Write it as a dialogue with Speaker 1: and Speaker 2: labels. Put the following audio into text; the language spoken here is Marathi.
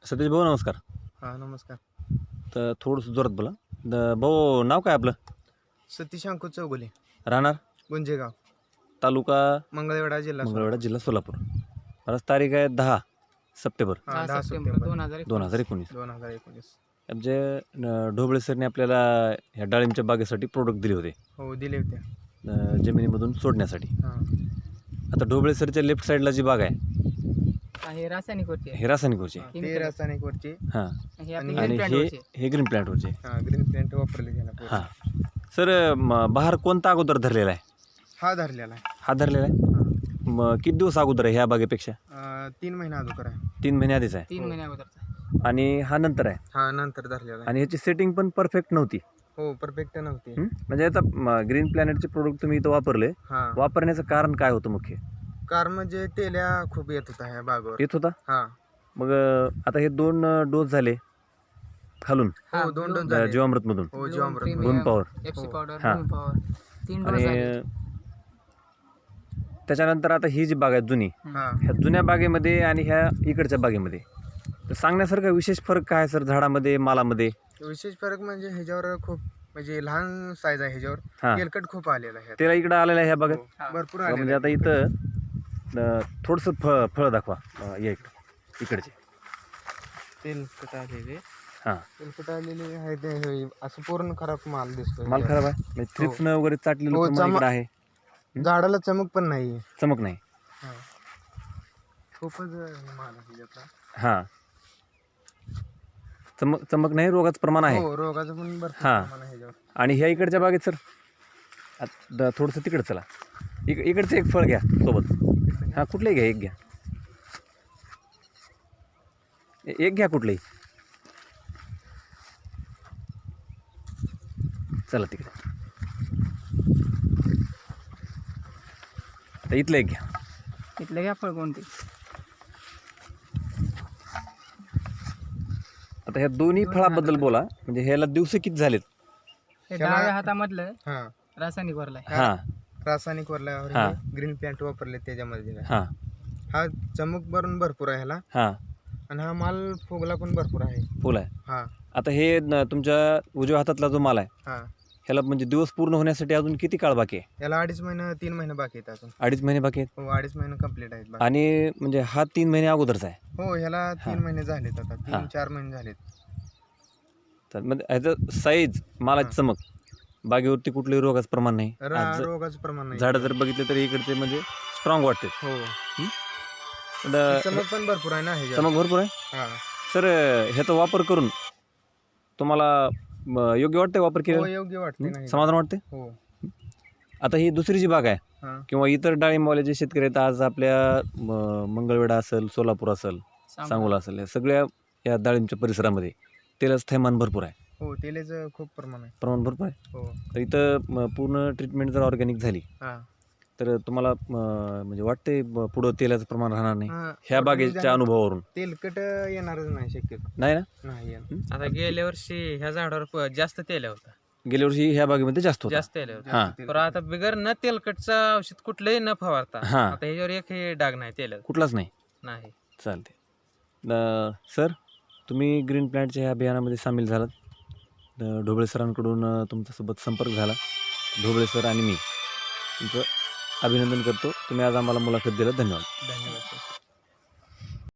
Speaker 1: सतीश भाऊ नमस्कार.
Speaker 2: हा नमस्कार.
Speaker 1: तर थोडंसं जोरात बोला. भाऊ नाव काय आपलं?
Speaker 2: सतीश अंकुश चौगुले,
Speaker 1: राहणार
Speaker 2: गुंजेगाव,
Speaker 1: तालुका
Speaker 2: मंगळवेढा, जिल्हा
Speaker 1: मंगळवेढा, जिल्हा सोलापूर. आज तारीख आहे 10 सप्टेंबर
Speaker 2: 10 सप्टेंबर
Speaker 1: 2019.
Speaker 2: 2019.
Speaker 1: म्हणजे ढोबळे सरने आपल्याला ह्या डाळिंबच्या बागेसाठी प्रोडक्ट दिले होते
Speaker 2: हो दिले होते.
Speaker 1: जमिनीमधून सोडण्यासाठी.
Speaker 2: हा
Speaker 1: आता ढोबळे सरच्या लेफ्ट साईडला जी बाग आहे
Speaker 3: हे रासायनिक वरची
Speaker 1: हे रासायनिक वरचे.
Speaker 2: ते रासायनिक वरचे.
Speaker 1: हां,
Speaker 3: हे
Speaker 2: आणि
Speaker 3: आपली
Speaker 1: आणि
Speaker 3: green plant
Speaker 1: हे
Speaker 3: वरची.
Speaker 1: हे ग्रीन प्लॅन्ट वरचे.
Speaker 2: हा ग्रीन प्लांट वापरले गेला.
Speaker 1: हां सर, बहार कोणता अगोदर धरलेला आहे?
Speaker 2: हा धरलेला आहे.
Speaker 1: हा धरलेला आहे. मग किती दिवस अगोदर आहे ह्या बागेपेक्षा?
Speaker 2: 3 महिना अगोदर आहे.
Speaker 1: 3 महिने आधीच आहे.
Speaker 3: 3 महिन्या अगोदरचा.
Speaker 1: आणि हा नंतर आहे.
Speaker 2: हा नंतर धरलेला आहे.
Speaker 1: आणि ह्याची सेटिंग पण परफेक्ट नव्हती.
Speaker 2: हो परफेक्ट नव्हती.
Speaker 1: म्हणजे आता ग्रीन प्लॅनेटचे प्रोडक्ट तुम्ही इथं वापरले,
Speaker 2: हा
Speaker 1: वापरण्याचं कारण काय होतं मुख्य?
Speaker 2: कार म्हणजे तेल्या खूप येत होता ह्या बागवर.
Speaker 1: येत होता.
Speaker 2: हा
Speaker 1: मग आता हे 2 डोस झाले खालून
Speaker 2: हो 2 डोस झाले.
Speaker 1: जीवामृत मधून,
Speaker 2: हो जीवामृत.
Speaker 3: Premium,
Speaker 1: boom power.
Speaker 3: FC
Speaker 2: हो.
Speaker 3: पावडर,
Speaker 1: हा.
Speaker 3: बूम पॉवर 3 डोस
Speaker 1: आणि
Speaker 3: झाले.
Speaker 1: त्याच्यानंतर आता ही जी बाग आहे जुनी,
Speaker 2: हा
Speaker 1: ह्या जुन्या बागेमध्ये आणि ह्या इकडच्या बागेमध्ये तर सांगण्यासारखा विशेष फरक काय आहे सर झाडामध्ये, मालामध्ये?
Speaker 2: विशेष फरक म्हणजे ह्याच्यावर खूप म्हणजे लहान साईज आहे ह्याच्यावर.
Speaker 1: हा,
Speaker 2: तेलकट खूप आलेला आहे.
Speaker 1: त्याला इकडं आलेलं आहे ह्या बागेत.
Speaker 2: हो, भरपूर
Speaker 1: म्हणजे
Speaker 2: आलेला
Speaker 1: आता
Speaker 2: आहे.
Speaker 1: इथं थोडंसं फळ दाखवा. या इकडचे.
Speaker 2: तेलकट आलेले.
Speaker 1: हां,
Speaker 2: तेलकट आलेले आहे ते हे असं पूर्ण खराब माल दिसतो.
Speaker 1: माल खराब आहे म्हणजे थ्रिप्सनं वगैरे चाटलेलं
Speaker 2: हो,
Speaker 1: प्रमाण इकडं आहे.
Speaker 2: झाडाला चमक पण नाही.
Speaker 1: चमक नाही.
Speaker 2: खूपच माल आहे याचा.
Speaker 1: हां, चमक नाही, रोगाचं प्रमाण आहे.
Speaker 2: हो रोगाचं पण भरपूर
Speaker 1: हा.
Speaker 2: प्रमाण आहे ह्याच्यावर.
Speaker 1: आणि ह्या इकडच्या बागेत सर थोडंसं तिकडं चला. इकडचं एक फळ घ्या सोबत. हां, कुठलंही घ्या, एक घ्या. एक घ्या कुठलंही. चला तिकडे. आता इथलं एक घ्या.
Speaker 3: इथलं घ्या फळ कोणते?
Speaker 1: आता ह्या दोन्ही फळाबद्दल बोला. म्हणजे ह्याला दिवस किती झालेत?
Speaker 3: हे
Speaker 2: त्याला-
Speaker 3: डाव्या हातामधलं
Speaker 2: हा
Speaker 3: रासायनिक वरला आहे.
Speaker 1: हां
Speaker 2: रासायनिक वरल्यावर
Speaker 1: हा.
Speaker 2: ग्रीन प्लांट वापरले त्याच्यामध्ये.
Speaker 1: हां
Speaker 2: हा चमक पण भरपूर आहे ह्याला.
Speaker 1: हां,
Speaker 2: आणि हा माल फुगला पण भरपूर आहे.
Speaker 1: फुल आहे.
Speaker 2: हा
Speaker 1: आता हे तुमच्या उजव्या हातातला जो माल आहे
Speaker 2: हा
Speaker 1: ह्याला म्हणजे दिवस पूर्ण होण्यासाठी अजून किती काळ बाकी आहे?
Speaker 2: याला 2.5 महिने 3 महिने बाकी आहेत अजून.
Speaker 1: 2.5 महिने बाकी आहेत.
Speaker 2: हो 2.5 महिने कम्प्लीट आहेत बाकी.
Speaker 1: आणि म्हणजे हा 3 महिने अगोदरचा आहे.
Speaker 2: हो ह्याला
Speaker 1: हा.
Speaker 2: 3 महिने झालेत आता.
Speaker 1: हा.
Speaker 2: 3-4 महिने झालेत.
Speaker 1: तर म्हणजे ह्याचं साईज, मालाची चमक, बागेवरती कुठलंही रोगाचं प्रमाण नाही. आज
Speaker 2: रोगाचं प्रमाण नाही.
Speaker 1: झाडं जर बघितलं तरी इकडचे म्हणजे स्ट्रॉंग वाटते.
Speaker 2: हो
Speaker 1: आता
Speaker 2: चमक पण भरपूर आहे ना ह्याच्यावर.
Speaker 1: चमक भरपूर आहे.
Speaker 2: हा
Speaker 1: सर, ह्याचा वापर करून तुम्हाला योग्य वाटतंय वापर
Speaker 2: हो
Speaker 1: केलं?
Speaker 2: योग्य वाटते ना हे.
Speaker 1: समाधान वाटते?
Speaker 2: हो
Speaker 1: आता ही दुसरी जी बाग आहे
Speaker 2: हा
Speaker 1: किंवा इतर डाळिंबवाले जे शेतकरी आहेत आज आपल्या मंगळवेढा असेल, सोलापूर असेल, सांगोला असेल, या सगळ्या या डाळिंबच्या परिसरामध्ये तेलाचं थैमान भरपूर आहे.
Speaker 2: हो तेलाचं खूप प्रमाण आहे.
Speaker 1: प्रमाण भरपूर आहे.
Speaker 2: हो
Speaker 1: तर इथं पूर्ण ट्रीटमेंट जर ऑर्गॅनिक झाली
Speaker 2: हा
Speaker 1: तर तुम्हाला म्हणजे वाटते पुढं तेलाचं प्रमाण राहणार नाही
Speaker 2: हा.
Speaker 1: ह्या बागेच्या अनुभवावरून?
Speaker 2: तेलकट येणारच नाही शक्यतो.
Speaker 1: नाही ना?
Speaker 2: नाही येणार.
Speaker 4: आता गेल्या वर्षी ह्या झाडावर जास्त तेल होता.
Speaker 1: गेल्या वर्षी ह्या बागेमध्ये जास्त होता.
Speaker 4: जास्त तेल होता.
Speaker 1: हां
Speaker 2: तेलकट.
Speaker 4: पण आता बिगर न तेलकटचं औषध कुठलंही न फवारता
Speaker 1: हां,
Speaker 4: आता ह्याच्यावर एकही डाग नाही तेलात
Speaker 1: कुठलाच नाही.
Speaker 4: नाही.
Speaker 1: चालते. सर, तुम्ही ग्रीन प्लॅन्टच्या ह्या अभियानामध्ये सामील झालात. ढोबळे सरांकडून तुमच्यासोबत संपर्क झाला. ढोबळे सर आणि मी तुमचं अभिनंदन करतो. तुम्ही आज आम्हाला मुलाखत दिला. धन्यवाद.
Speaker 2: धन्यवाद सर.